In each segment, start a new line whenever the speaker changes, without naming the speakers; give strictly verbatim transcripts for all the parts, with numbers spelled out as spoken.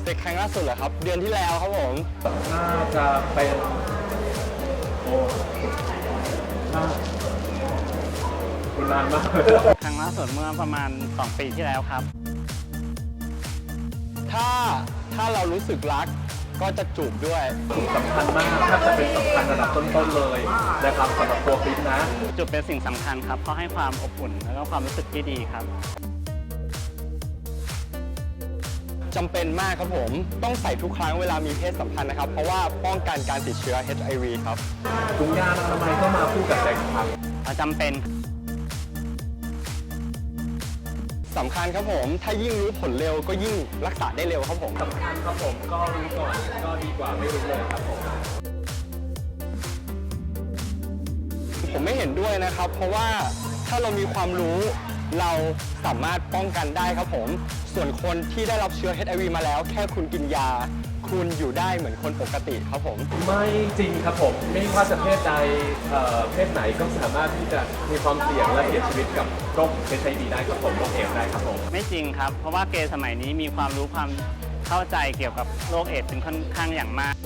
เป็นครั้งล่าสุดเหรอครับเดือนที่แล้วครับผม
น่าจะเป็นโอ้น่าคุณนานมาก
ครั้งล่าสุดเมื่อประมาณสองปีที่แล้วครับ
ถ้าถ้าเรารู้สึกรักก็จะจูบด้วย
สำคัญมากถ้าจะเป็นสำคัญระดับต้นๆเลยนะครับสำหรับตัวคริสนะ
จูบเป็นสิ่งสำคัญครับเพราะให้ความอบอุ่นแล้วก็ความรู้สึกที่ดีครับ
จำเป็นมากครับผมต้องใส่ทุกครั้งเวลามีเพศสัมพันธ์นะครับเพราะว่าป้องกันการติดเชื้อ เอช ไอ วี ครับ
ถุงยางอนามัยก็มาคู่กับเซ็กส์ครับ
จำเป็น
สำคัญครับผมถ้ายิ่งรู้ผลเร็วก็ยิ่งรักษาได้เร็วครับผม
สำคัญครับผมก็รู้ก่อนก็ดีกว่าไม่รู้เลยครับผม
ผมไม่เห็นด้วยนะครับเพราะว่าถ้าเรามีความรู้เราสามารถป้องกันได้ครับผมส่วนคนที่ได้รับเชื้อ เอช ไอ วี มาแล้วแค่คุณกินยาคุณอยู่ได้เหมือนคนปกติครับผม
ไม่จริงครับผมไม่ว่าจะเพศใดเพศไหนก็สามารถที่จะมีความเสี่ยงและเสียชีวิตกับโรค เอช ไอ วี ได้ครับผมโรคเอดส์ได้ครับผม
ไม่จริงครับเพราะว่าเกย์สมัยนี้มีความรู้ความเข้าใจเกี่ยวกับโรคเอดส์เป็นค่อนข้างอย่างมาก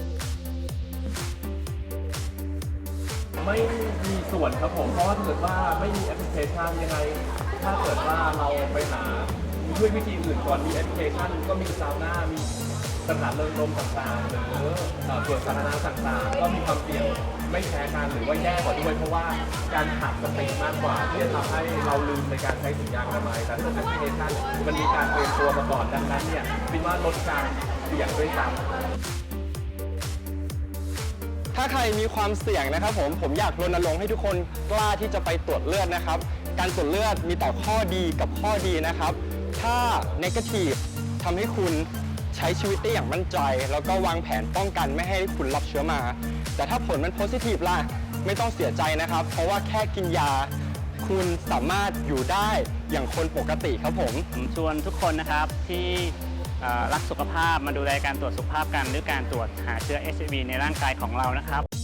ไม่มีส่วนครับผมเพราะว่าถ้าเกิดว่าไม่มีแอปพลิเคชันยังไงถ้าเกิดว่าเราไปหาด้วยวิธีอื่นก่อนมีแอปพลิเคชันก็มีซาวน่ามีสถานเริงรมต่างๆหรือส่วนสาธารณะต่างๆก็มีความเสี่ยงไม่แพ้กันหรือว่าแย่กว่าด้วยเพราะว่าการขาดสติมากกว่าที่จะทำให้เราลืมในการใช้ถุงยางอนามัยแต่ถ้าเป็นแอปพลิเคชันมันมีการเตรียมตัวมาก่อนดังนั้นเนี่ยคิดว่าลดการเสี่ยงด้วยซ้ำ
ถ้าใครมีความเสี่ยงนะครับผมผมอยากรณรงค์ให้ทุกคนกล้าที่จะไปตรวจเลือดนะครับการตรวจเลือดมีแต่ข้อดีกับข้อดีนะครับถ้า negative ทำให้คุณใช้ชีวิตได้อย่างมั่นใจแล้วก็วางแผนป้องกันไม่ให้คุณรับเชื้อมาแต่ถ้าผลมัน positive ล่ะไม่ต้องเสียใจนะครับเพราะว่าแค่กินยาคุณสามารถอยู่ได้อย่างคนปกติครับผม
ผมชวนทุกคนนะครับที่รักสุขภาพมาดูแลการตรวจสุขภาพกันหรือการตรวจหาเชื้อ เอช ไอ วี ในร่างกายของเรานะครับ